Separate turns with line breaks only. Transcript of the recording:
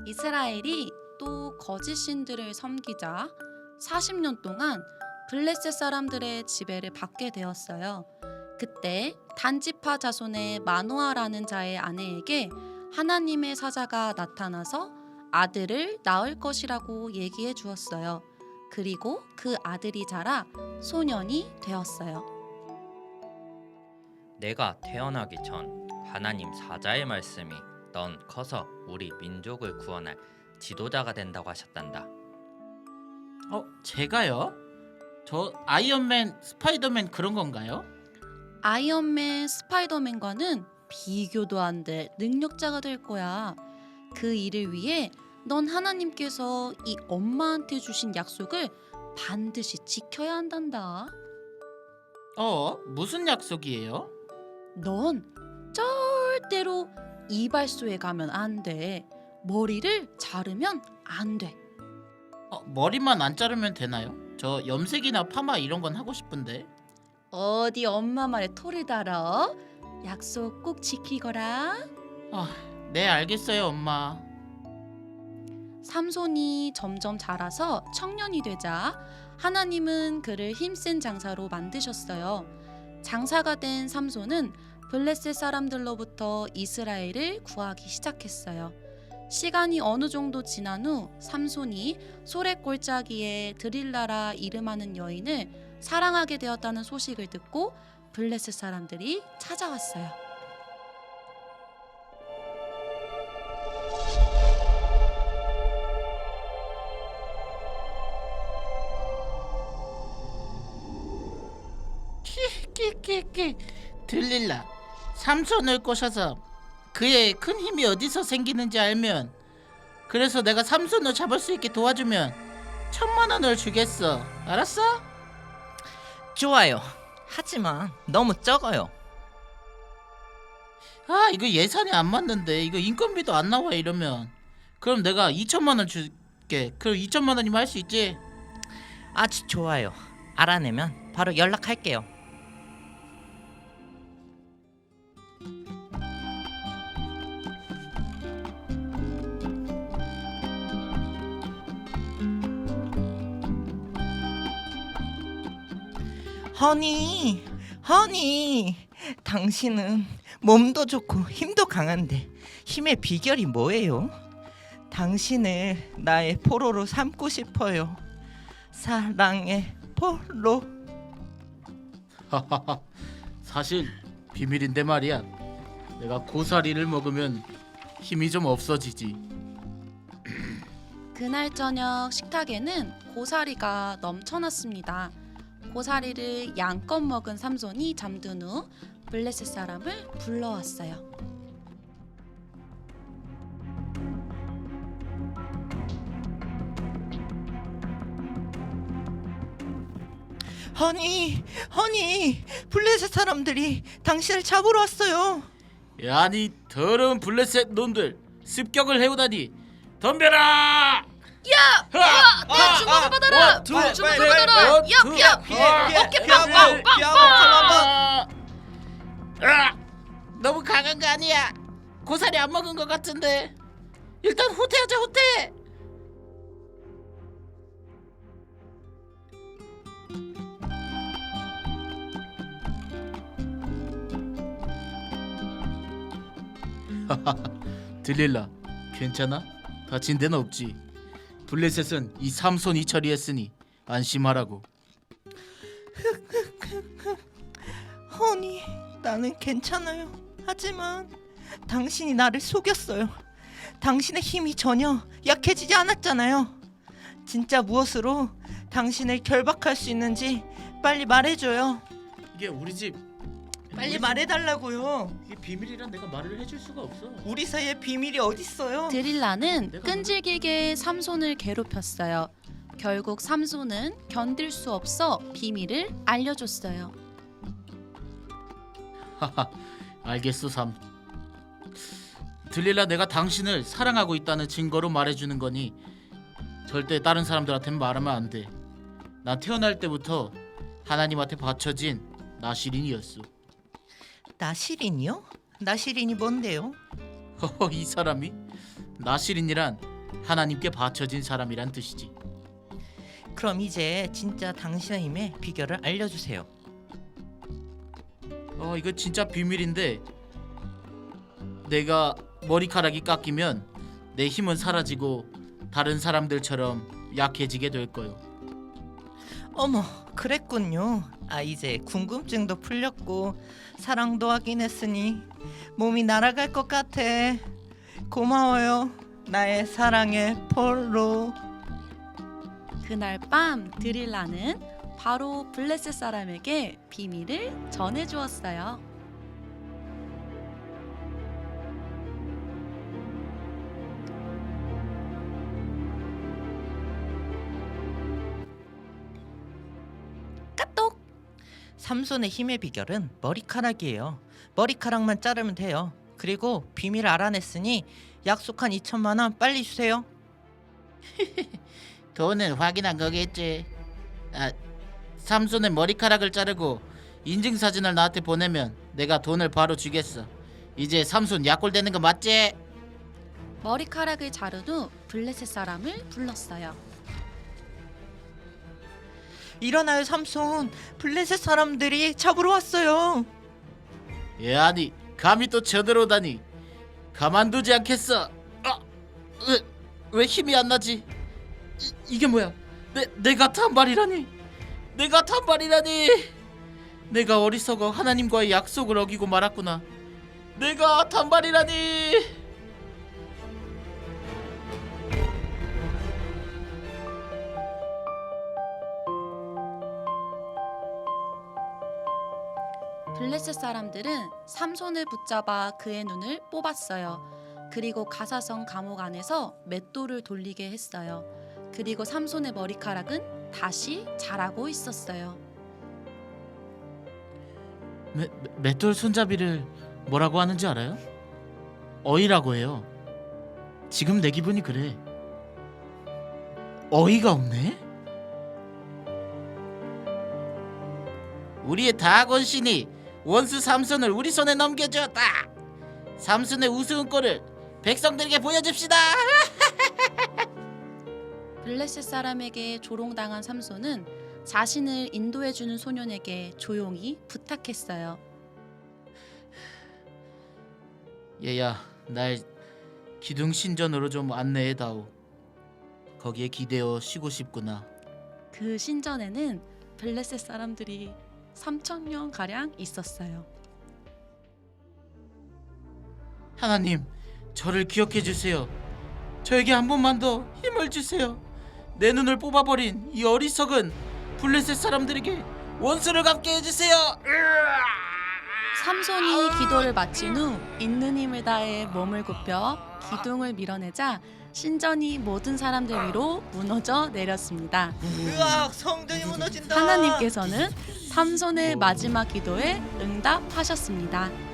이스라엘이 또 거짓 신들을 섬기자 40년 동안 블레셋 사람들의 지배를 받게 되었어요. 그때 단지파 자손의 마노아라는 자의 아내에게 하나님의 사자가 나타나서 아들을 낳을 것이라고 얘기해 주었어요. 그리고 그 아들이 자라 소년이 되었어요.
내가 태어나기 전 하나님 사자의 말씀이 넌 커서 우리 민족을 구원할 지도자가 된다고 하셨단다.
제가요? 저 아이언맨, 스파이더맨 그런 건가요?
아이언맨, 스파이더맨과는 비교도 안 될 능력자가 될 거야. 그 일을 위해 넌 하나님께서 이 엄마한테 주신 약속을 반드시 지켜야 한단다.
무슨 약속이에요?
넌 절대로 이발소에 가면 안 돼. 머리를 자르면 안 돼.
머리만 안 자르면 되나요? 저 염색이나 파마 이런 건 하고 싶은데.
어디 엄마 말에 토를 달아? 약속 꼭 지키거라.
네, 알겠어요, 엄마.
삼손이 점점 자라서 청년이 되자 하나님은 그를 힘센 장사로 만드셨어요. 장사가 된 삼손은 블레셋 사람들로부터 이스라엘을 구하기 시작했어요. 시간이 어느 정도 지난 후 삼손이 소랫골짜기에 드릴라라 이름하는 여인을 사랑하게 되었다는 소식을 듣고 블레셋 사람들이 찾아왔어요.
끼끼끼 들릴라. 삼손을 꼬셔서 그의 큰 힘이 어디서 생기는지 알면, 그래서 내가 삼손을 잡을 수 있게 도와주면 1,000,000원을 주겠어. 알았어?
좋아요. 하지만 너무 적어요.
이거 예산이 안 맞는데, 이거 인건비도 안 나와 이러면. 그럼 내가 2,000,000원 줄게. 그럼 2,000,000원이면 할 수 있지?
아주 좋아요. 알아내면 바로 연락할게요. 허니, 당신은 몸도 좋고 힘도 강한데 힘의 비결이 뭐예요? 당신을 나의 포로로 삼고 싶어요. 사랑의 포로.
사실 비밀인데 말이야. 내가 고사리를 먹으면 힘이 좀 없어지지.
그날 저녁 식탁에는 고사리가 넘쳐났습니다. 고사리를 양껏 먹은 삼손이 잠든 후 블레셋 사람을 불러왔어요.
허니, 블레셋 사람들이 당신을 잡으러 왔어요.
야니 더러운 블레셋 놈들, 습격을 해오다니. 덤벼라!
내 주먹을 받아라! 주먹을 받아라! 어깨 빵빵빵빵!
너무 강한 거 아니야? 고사리 안 먹은 거 같은데. 일단 후퇴하자, 후퇴. 들릴라, 괜찮아? 다친 데는 없지? 블레셋은 이 삼손이 처리했으니 안심하라고.
허니, 나는 괜찮아요. 하지만 당신이 나를 속였어요. 당신의 힘이 전혀 약해지지 않았잖아요. 진짜 무엇으로 당신을 결박할 수 있는지 빨리 말해줘요.
이게 우리 집.
빨리 말해달라고요.
이게 비밀이란 내가 말을 해줄 수가 없어.
우리 사이에 비밀이 어딨어요?
드릴라는 끈질기게 삼손을 괴롭혔어요. 결국 삼손은 견딜 수 없어 비밀을 알려줬어요.
알겠어, 삼. 들릴라, 내가 당신을 사랑하고 있다는 증거로 말해주는 거니 절대 다른 사람들한테는 말하면 안 돼. 난 태어날 때부터 하나님한테 바쳐진 나시린이었어.
나시린이요? 나시린이 뭔데요?
이 사람이? 나시린이란 하나님께 바쳐진 사람이란 뜻이지.
그럼 이제 진짜 당신의 힘의 비결을 알려주세요.
이거 진짜 비밀인데, 내가 머리카락이 깎이면 내 힘은 사라지고 다른 사람들처럼 약해지게 될 거요.
어머, 그랬군요. 이제 궁금증도 풀렸고 사랑도 하긴 했으니 몸이 날아갈 것 같아. 고마워요, 나의 사랑의 폴로.
그날 밤 드릴라는 바로 블레셋 사람에게 비밀을 전해주었어요. 까똑!
삼손의 힘의 비결은 머리카락이에요. 머리카락만 자르면 돼요. 그리고 비밀을 알아냈으니 약속한 2천만 원 빨리 주세요.
돈은 확인한 거겠지. 삼손의 머리카락을 자르고 인증사진을 나한테 보내면 내가 돈을 바로 주겠어. 이제 삼손 약골되는 거 맞지?
머리카락을 자른 후 블레셋 사람을 불렀어요.
일어나요, 삼손. 블레셋 사람들이 잡으러 왔어요.
아니 감히 또 쳐들어오다니. 가만두지 않겠어. 왜 힘이 안 나지? 이게 뭐야? 내가 단발이라니. 내가 어리석어 하나님과의 약속을 어기고 말았구나. 내가 단발이라니.
블레셋 사람들은 삼손을 붙잡아 그의 눈을 뽑았어요. 그리고 가사성 감옥 안에서 맷돌을 돌리게 했어요. 그리고 삼손의 머리카락은 다시 자라고 있었어요.
맷돌 손잡이를 뭐라고 하는지 알아요? 어이라고 해요. 지금 내 기분이 그래. 어이가 없네. 우리의 다곤 신이 원수 삼손을 우리 손에 넘겨주었다. 삼손의 우스운 꼴을 백성들에게 보여줍시다.
블레셋 사람에게 조롱당한 삼손은 자신을 인도해주는 소년에게 조용히 부탁했어요.
얘야, 날 기둥 신전으로 좀 안내해다오. 거기에 기대어 쉬고 싶구나.
그 신전에는 블레셋 사람들이 3,000명 가량 있었어요.
하나님, 저를 기억해 주세요. 저에게 한 번만 더 힘을 주세요. 내 눈을 뽑아버린 이 어리석은 블레셋 사람들에게 원수를 갚게 해주세요.
삼손이 기도를 마친 후 있는 힘을 다해 몸을 굽혀 기둥을 밀어내자 신전이 모든 사람들 위로 무너져 내렸습니다.
으악, 성전이 무너진다.
하나님께서는 삼손의 마지막 기도에 응답하셨습니다.